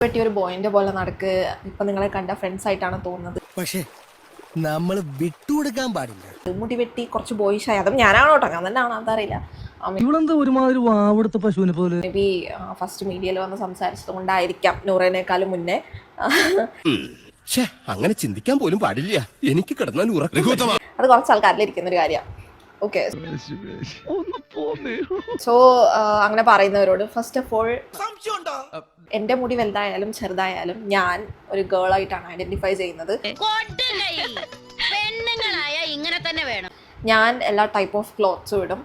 പറ്റിയ ഒരു ബോയിന്റെ പോലെ നടക്ക്. ഇപ്പൊ നിങ്ങളെ കണ്ട ഫ്രണ്ട്സ് ആയിട്ടാണ് തോന്നുന്നത്. പക്ഷേ നമ്മൾ വിട്ടുകൊടുക്കാൻ പാടില്ല. മുടി വെട്ടി കുറച്ച് ബോയിഷായി. അതും ഞാനാണോ കേട്ടോ, ഞാൻ തന്നെയാണോ അതറിയില്ല. ഇവളെന്താ ഒരുമാതിരി വാവെടുത്ത പശുവിനെ പോലെ. മേ ബി ഫസ്റ്റ് മീഡിയയിൽ വന്ന് സംസാരിച്ചത് കൊണ്ടായിരിക്കാം നൂറേനേക്കാളും മുന്നേ. അങ്ങനെ ചിന്തിക്കാൻ പോലും പാടില്ല. എനിക്ക് കിടന്നാൽ അത് കുറച്ച് ആൾക്കാരിലിരിക്കുന്ന ഒരു കാര്യമാണ്. ഓക്കെ, സോ അങ്ങനെ പറയുന്നവരോട് ഫസ്റ്റ് ഓഫ് ഓൾ, എന്റെ മുടി വലുതായാലും ചെറുതായാലും ഞാൻ ഒരു ഗേൾ ആയിട്ടാണ് ഐഡന്റിഫൈ ചെയ്യുന്നത്. ഇങ്ങനെ തന്നെ വേണം. ഞാൻ എല്ലാ ടൈപ്പ് ഓഫ് ക്ലോത്ത്സും ഇടും.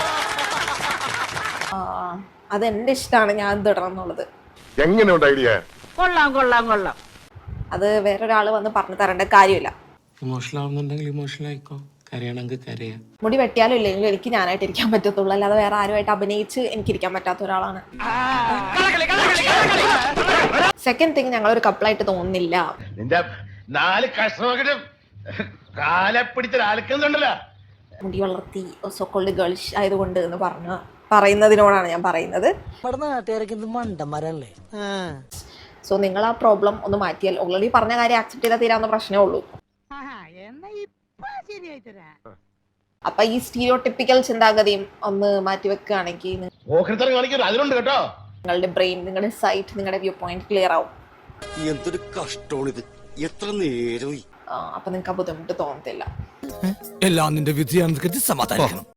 അത് എന്റെ ഇഷ്ടമാണ്, ഞാൻ ഇത് ഇടണം എന്നുള്ളത്. എങ്ങനെയുണ്ട് ഐഡിയ? കൊള്ളാം കൊള്ളാം കൊള്ളാം. അത് വേറൊരാൾ വന്ന് പറഞ്ഞു തരേണ്ട കാര്യമില്ല. ഇമോഷണൽ ആവുന്നുണ്ടെങ്കിൽ ഇമോഷണൽ ആയിക്കോ, കരയണമെങ്കിൽ കരയാ. മുടി വെട്ടിയാലും ഇല്ലെങ്കിലും എനിക്ക് ഞാനായിട്ട് ഇരിക്കാൻ പറ്റത്തുള്ളൂ, അല്ലാതെ വേറെ ആരുമായിട്ട് അഭിനയിച്ച് എനിക്കിരിക്കാൻ പറ്റാത്ത ഒരാളാണ്. സെക്കൻഡ് തിങ്, ഞങ്ങളൊരു കപ്പിളായിട്ട് തോന്നുന്നില്ല. നിന്റെ 4 കഷ്ണമൊക്കെ കാലെ പിടിച്ചൊരാൾക്കുന്നുണ്ടല്ലോ. മുടി വളർത്തി സോക്കോൾഡ് ഗേൾസ് ആയതുകൊണ്ട് എന്ന് പറയുന്നതിനോടാണ് ഞാൻ പറയുന്നത്. സോ നിങ്ങൾ ആ പ്രോബ്ലം ഒന്ന് മാറ്റിയാൽ, ഓൾറെഡി പറഞ്ഞ കാര്യം ആക്സെപ്റ്റ് ചെയ്താൽ തീരാവുന്ന പ്രശ്നമേ ഉള്ളൂ. അപ്പൊ ഈ സ്റ്റീരിയോടിപ്പിക്കൽ ചിന്താഗതിയും ഒന്ന് മാറ്റി വെക്കുകയാണെങ്കിൽ അതിലുണ്ട് കേട്ടോ, നിങ്ങളുടെ ബ്രെയിൻ, നിങ്ങളുടെ സൈറ്റ്, നിങ്ങളുടെ വ്യൂ പോയിന്റ് ക്ലിയർ ആവും. എന്തൊരു കഷ്ടമാണിത്, എത്ര നേരം. അപ്പൊ നിങ്ങൾക്ക് ആ ബുദ്ധിമുട്ട് തോന്നത്തില്ല. എല്ലാം നിന്റെ വിധിയാണെന്ന് കരുതി സമാധാനിക്കണം.